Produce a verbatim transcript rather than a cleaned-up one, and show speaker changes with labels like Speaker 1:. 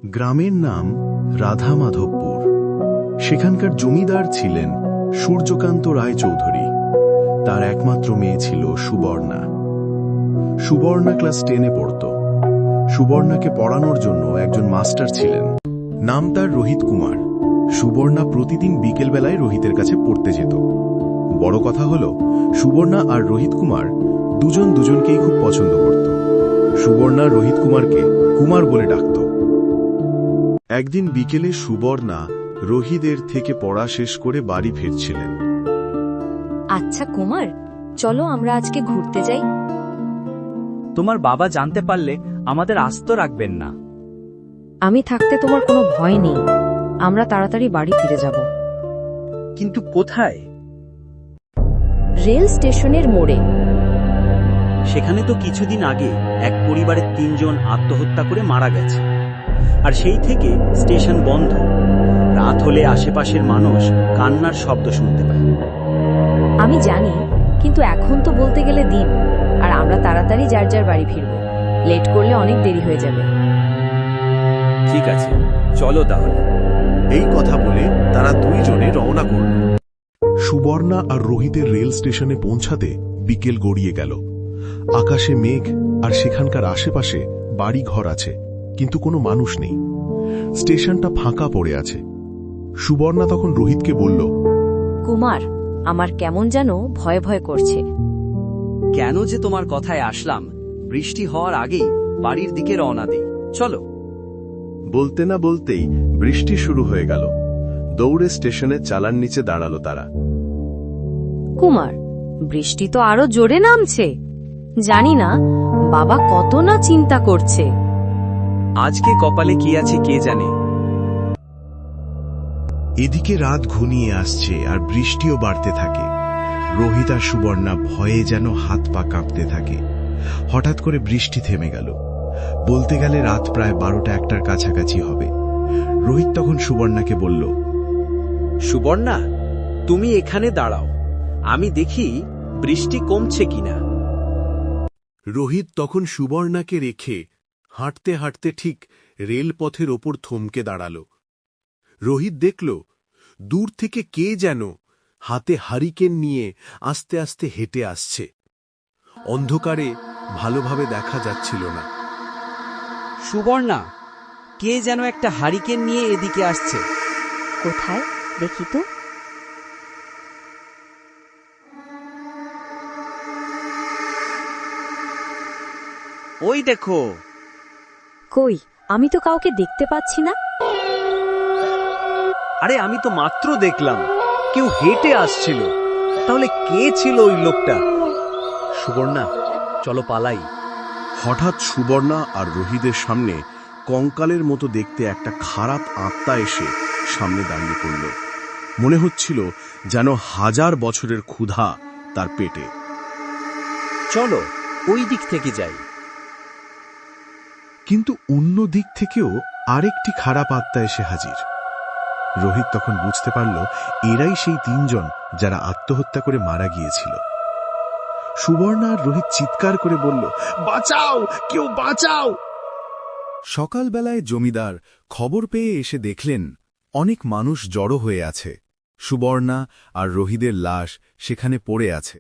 Speaker 1: গ্রামের নাম রাধামাধবপুর। সেখানকার জমিদার ছিলেন সূর্যকান্ত রায় চৌধুরী। তার একমাত্র মেয়ে ছিল সুবর্ণা। সুবর্ণা ক্লাস টেনে পড়ত। সুবর্ণাকে পড়ানোর জন্য একজন মাস্টার ছিলেন, নাম তার রোহিত কুমার। সুবর্ণা প্রতিদিন বিকেলবেলায় রোহিতের কাছে পড়তে যেত। বড় কথা হল, সুবর্ণা আর রোহিত কুমার দুজন দুজনকেই খুব পছন্দ করত। সুবর্ণা রোহিত কুমারকে কুমার বলে ডাকত। একদিন বিকেলে সুবর্ণা রোহিতের থেকে পড়া শেষ করে বাড়ি ফিরছিলেন।
Speaker 2: আচ্ছা কুমার, চলো আমরা আজকে ঘুরতে যাই।
Speaker 3: তোমার বাবা জানতে পারলে আমাদের আস্ত রাখবেন না।
Speaker 2: আমি থাকতে তোমার কোনো ভয় নেই, আমরা তাড়াতাড়ি বাড়ি ফিরে যাব।
Speaker 3: কিন্তু কোথায়?
Speaker 2: রেল স্টেশনের মোড়ে।
Speaker 3: সেখানে তো কিছুদিন আগে এক পরিবারের তিনজন আত্মহত্যা করে মারা গেছে, আর সেই থেকে স্টেশন বন্ধ। রাত হলে আশেপাশের মানুষ কান্নার শব্দ শুনতে পায়।
Speaker 2: আমি জানি, কিন্তু এখন তো বলতে গেলে দিন, আর আমরা তাড়াতাড়ি যার যার বাড়ি ফিরব। লেট করলে অনেক দেরি হয়ে যাবে।
Speaker 3: ঠিক আছে, চলো তাহলে।
Speaker 1: এই কথা বলে তারা দুইজনে রওনা করল। সুবর্ণা আর রোহিতের রেল স্টেশনে পৌঁছাতে বিকেল গড়িয়ে গেল। আকাশে মেঘ, আর সেখানকার আশেপাশে বাড়ি ঘর আছে, কিন্তু কোনো মানুষ নেই। স্টেশনটা ফাঁকা পড়ে আছে। সুবর্ণা তখন রোহিতকে বলল,
Speaker 2: কুমার, আমার কেমন যেন ভয় ভয় করছে।
Speaker 3: কেন যে তোমার কথায় আসলাম, বৃষ্টি হওয়ার আগেই বাড়ির দিকে রওনা দিই, চলো।
Speaker 1: বলতে না বলতেই বৃষ্টি শুরু হয়ে গেল। দৌড়ে স্টেশনের চালার নিচে দাঁড়ালো তারা।
Speaker 2: কুমার, বৃষ্টি তো আরো জোরে নামছে। জানি না বাবা কত না চিন্তা করছে।
Speaker 3: আজকে কপালে কি আছে কে জানে।
Speaker 1: এদিকে রাত ঘনিয়ে আসছে আর বৃষ্টিও বাড়তে থাকে। রোহিত আর সুবর্ণা ভয়ে যেন হাত পা কাঁপতে থাকে। হঠাৎ করে বৃষ্টি থেমে গেল। বলতে গেলে রাত প্রায় বারোটা একটার কাছাকাছি হবে। রোহিত তখন সুবর্ণাকে বলল,
Speaker 3: সুবর্ণা, তুমি এখানে দাঁড়াও, আমি দেখি বৃষ্টি কমছে কিনা।
Speaker 1: রোহিত তখন সুবর্ণাকে রেখে হাঁটতে হাঁটতে ঠিক রেলপথের ওপর থমকে দাঁড়াল। রোহিত দেখল, দূর থেকে কে যেন হাতে হারিকেন নিয়ে আস্তে আস্তে হেঁটে আসছে। অন্ধকারে ভালোভাবে দেখা যাচ্ছিল না।
Speaker 3: সুবর্ণা, কে যেন একটা হারিকেন নিয়ে এদিকে আসছে।
Speaker 2: কোথায় দেখি তো।
Speaker 3: ওই দেখো।
Speaker 2: কই, আমি তো কাউকে দেখতে পাচ্ছি না।
Speaker 3: আরে আমি তো মাত্র দেখলাম কেউ হেঁটে আসছিল। তাহলে কে ছিল ওই লোকটা? সুবর্ণা, চলো পালাই।
Speaker 1: হঠাৎ সুবর্ণা আর রোহিতের সামনে কঙ্কালের মতো দেখতে একটা খারাপ আত্মা এসে সামনে দাঁড়িয়ে পড়ল। মনে হচ্ছিল যেন হাজার বছরের ক্ষুধা তার পেটে।
Speaker 3: চলো ওই দিক থেকে যাই।
Speaker 1: কিন্তু অন্য দিক থেকেও আরেকটি খারাপ আত্মা এসে হাজির। রোহিত তখন বুঝতে পারল, এরাই সেই তিনজন যারা আত্মহত্যা করে মারা গিয়েছিল। সুবর্ণা আর রোহিত চিৎকার করে বলল, বাঁচাও, কেউ বাঁচাও। সকালবেলায় জমিদার খবর পেয়ে এসে দেখলেন অনেক মানুষ জড়ো হয়ে আছে। সুবর্ণা আর রোহিতের লাশ সেখানে পড়ে আছে।